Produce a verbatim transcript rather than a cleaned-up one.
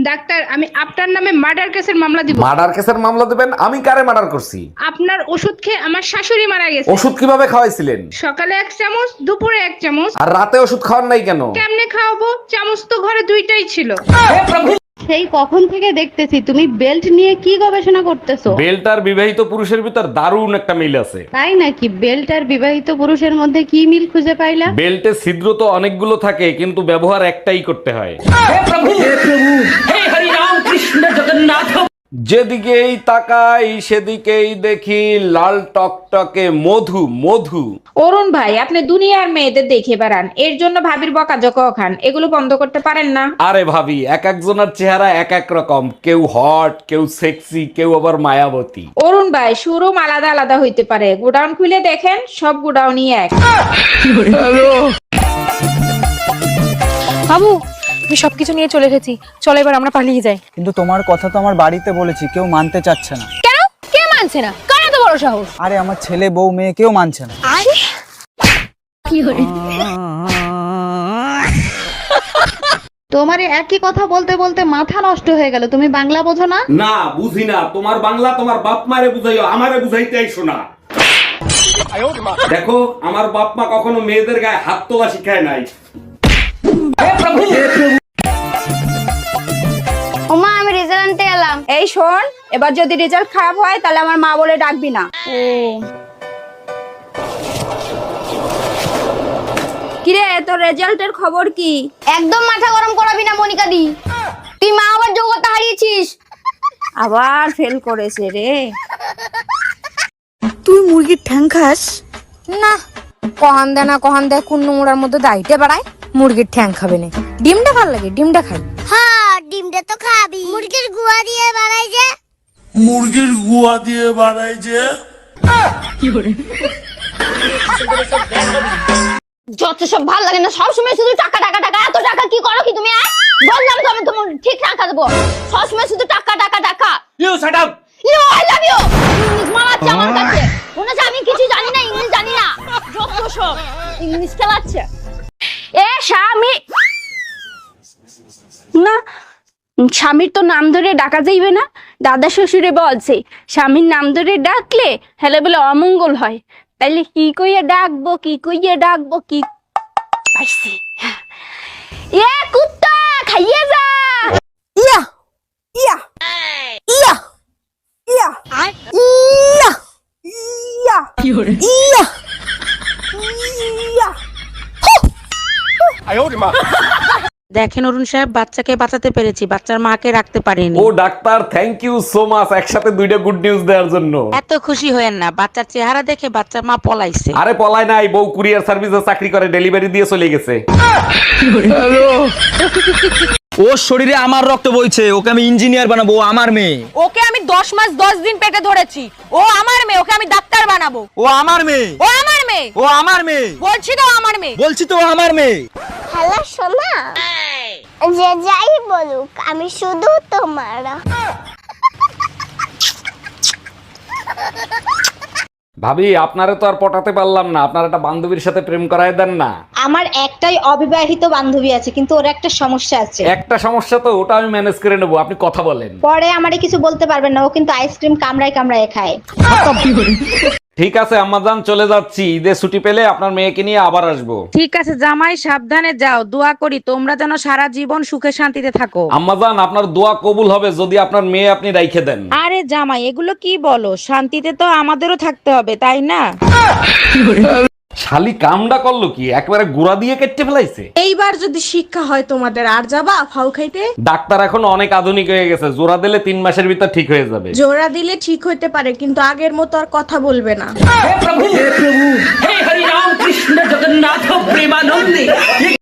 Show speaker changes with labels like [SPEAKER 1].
[SPEAKER 1] Doctor, আমি আপনার নামে মার্ডার কেসের মামলা দিব।
[SPEAKER 2] মার্ডার কেসের মামলা দেবেন? আমি কারে মার্ডার করছি?
[SPEAKER 1] আপনার ওষুধ খেয়ে আমার শাশুড়ি মারা গেছে।
[SPEAKER 2] ওষুধ কিভাবে খাওয়াইছিলেন?
[SPEAKER 1] সকালে এক চামচ, দুপুরে এক চামচ।
[SPEAKER 2] আর রাতে ওষুধ খাওয়ার নাই কেন?
[SPEAKER 1] কেমনে খাওয়াবো? চামচ তো ঘরে দুইটাই ছিল।
[SPEAKER 3] সেই কখন থেকে দেখতেছি তুমি বেল্ট নিয়ে কি গবেষণা করতেছো।
[SPEAKER 2] বেল্ট আর বিবাহিত পুরুষের ভিতর দারুণ একটা মিল আছে।
[SPEAKER 3] তাই নাকি? বেল্ট আর বিবাহিত পুরুষের মধ্যে কি মিল খুঁজে পাইলা?
[SPEAKER 2] বেল্টে ছিদ্র তো অনেকগুলো থাকে, কিন্তু ব্যবহার একটাই করতে হয়। যেদিকেই তাকাই সেদিকেই দেখি লাল টকটকে মধু মধু।
[SPEAKER 4] অরুণ ভাই, আপনি দুনিয়ার মেয়েদের দেখে বেড়ান, এর জন্য ভাবির বকাঝকা খান। এগুলো বন্ধ করতে পারেন না?
[SPEAKER 2] আরে ভাবি, এক একজনের চেহারা এক এক রকম, কেউ হট, কেউ সেক্সি, কেউ আবার মায়াবতী।
[SPEAKER 4] অরুণ ভাই, শোরুম আলাদা আলাদা হইতে পারে, গোডাউন খুলে দেখেন, সব গোডাউনই এক।
[SPEAKER 5] বাবু, আমি সবকিছু নিয়ে চলে এসেছি, চলো এবার আমরা পালিয়ে যাই।
[SPEAKER 6] কিন্তু তোমার কথা তো আমার বাড়িতে বলেছি, কেউ মানতে চাচ্ছে না।
[SPEAKER 5] কেন? কে মানছে না? কার এত বড় সাহস?
[SPEAKER 6] আরে আমার ছেলে বউ মেয়ে কেউ মানছে না।
[SPEAKER 3] তোমার এই একই কথা বলতে বলতে মাথা নষ্ট হয়ে গেল, তুমি বাংলা বোঝো না?
[SPEAKER 2] না, বুঝি না। তোমার বাংলা তোমার বাপ মারে বুঝাইও, আমারে বুঝাইতে আইসো না। দেখো, আমার বাপ মা কখনো মেয়েদের গায়ে হাত তোলা শিখায় নাই।
[SPEAKER 7] ওমা, আমি রেজাল্ট আনতে এলাম।
[SPEAKER 4] এই শোন, এবার যদি রেজাল্ট খারাপ হয় তাহলে আমার মা বলে ডাকবি না। কিরে, তোর রেজাল্টের খবর কি?
[SPEAKER 7] একদম মাথা গরম করাবি না মনিকা দি, তুই মা আবার যোগ্যতা হারিয়েছিস।
[SPEAKER 4] আবার ফেল করেছে রে।
[SPEAKER 8] তুই মুরগির ঠ্যাং খাস?
[SPEAKER 5] না, কহান দে না কহান দে, কোন নোংরার মধ্যে দাইতে বাড়ায়। মুরগির ঠ্যাং খাবে না, ডিমটা ভাল লাগে, ডিমটা খাই।
[SPEAKER 7] হ্যাঁ, ডিমটা তো খাবি। মুরগির গুয়া দিয়ে বানাই যে।
[SPEAKER 9] মুরগির গুয়া দিয়ে বানাই যে।
[SPEAKER 7] যত সব ভালো লাগে না, সবসময় শুধু টাকা টাকা টাকা। এত টাকা কি করো কি তুমি? আয়, বললাম তো আমি তোমার ঠিক টাকা দেবো। সবসময় শুধু টাকা টাকা টাকা।
[SPEAKER 2] You shut up.
[SPEAKER 7] You I love you. English মারাচ্ছে আমার কাছে, মনে হচ্ছে আমি কিছু জানি না, ইংলিশ জানি না। যত সব ইংলিশ খেলাচ্ছে। এ স্বামী
[SPEAKER 1] না, স্বামীর তো নাম ধরে ডাকা যাইবে না। দাদা শ্বশুরে বলছে স্বামীর নাম ধরে ডাকলে হেলে বলে অমঙ্গল হয়। তাইলে কি কইয়া ডাকবো, কি কইয়া ডাকবো, কি পাইছি। এ কুত্তা, খাইয়ে যা।
[SPEAKER 8] ইয়া ইয়া ইয়া ইয়া ইয়া ইয়া ইয়া ইয়া।
[SPEAKER 10] দেখেন অরুণ সাহেব, বাচ্চাকে বাঁচাতে পেরেছি, বাচ্চার মাকে রাখতে পারিনি।
[SPEAKER 2] ও doctor, thank you so much, একসাথে দুইটা গুড নিউজ দেওয়ার জন্য।
[SPEAKER 10] এত খুশি হয়েন না, বাচ্চার চেহারা দেখে বাচ্চার মা পলাইছে।
[SPEAKER 2] আরে পলায় নাই, বউ কুরিয়ার সার্ভিসে চাকরি করে, ডেলিভারি দিয়ে চলে গেছে।
[SPEAKER 6] ওর শরীরে আমার রক্ত বইছে, ওকে আমি ইঞ্জিনিয়ার বানাবো, ও আমার মেয়ে।
[SPEAKER 5] ওকে আমি দশ মাস দশ দিন পেটে ধরেছি, ও আমার মেয়ে, ওকে আমি ডাক্তার বানাবো।
[SPEAKER 6] ও আমার মেয়ে,
[SPEAKER 5] ও আমার মেয়ে,
[SPEAKER 6] ও আমার মেয়ে,
[SPEAKER 5] বলছি তো আমার মেয়ে।
[SPEAKER 6] বলছি তো ও আমার মেয়ে।
[SPEAKER 7] হ্যালো সোনা, যে যাই বলুক আমি শুধু তোমার।
[SPEAKER 2] ভাবি, আপনারে তো আর পটাতে পারলাম না, আপনার একটা বান্ধবীর সাথে প্রেম করায় দেন না।
[SPEAKER 4] আমার একটাই অবিবাহিত বান্ধবী আছে, কিন্তু ওর একটা সমস্যা আছে।
[SPEAKER 2] একটা সমস্যা তো, ওটা আমি ম্যানেজ করে নেবো, আপনি কথা বলেন।
[SPEAKER 4] পরে আমারে কিছু বলতে পারবেন না, ও কিন্তু আইসক্রিম কামড়ায় কামড়ায় খায়।
[SPEAKER 2] ঠিক আছে আম্মাজান, চলে যাচ্ছি। ঈদের ছুটি পেলে আপনার মেয়েকে নিয়ে আবার আসবো।
[SPEAKER 10] ঠিক আছে জামাই, সাবধানে যাও, দোয়া করি তোমরা যেন সারা জীবন সুখে শান্তিতে থাকো।
[SPEAKER 2] আম্মাজান, আপনার দোয়া কবুল হবে যদি আপনার মেয়ে আপনি রাইখে দেন।
[SPEAKER 10] আরে জামাই, এগুলো কি বলো? শান্তিতে তো আমাদেরও থাকতে হবে, তাই না?
[SPEAKER 2] শালি কামডা করলো কি, একবারে গুড়া দিয়ে কেটে ফেলাইছে।
[SPEAKER 5] এইবার যদি শিক্ষা হয় তোমাদের, আর যাবা ফাউ খাইতে?
[SPEAKER 2] ডাক্তার এখন অনেক আধুনিক হয়ে গেছে, জোড়া দিলে তিন মাসের ভিতর ঠিক হয়ে যাবে।
[SPEAKER 5] জোড়া দিলে ঠিক হইতে পারে, কিন্তু আগের মতো আর কথা বলবে না।
[SPEAKER 9] হে হরি রাম কৃষ্ণ জগন্নাথ প্রেমানন্দে।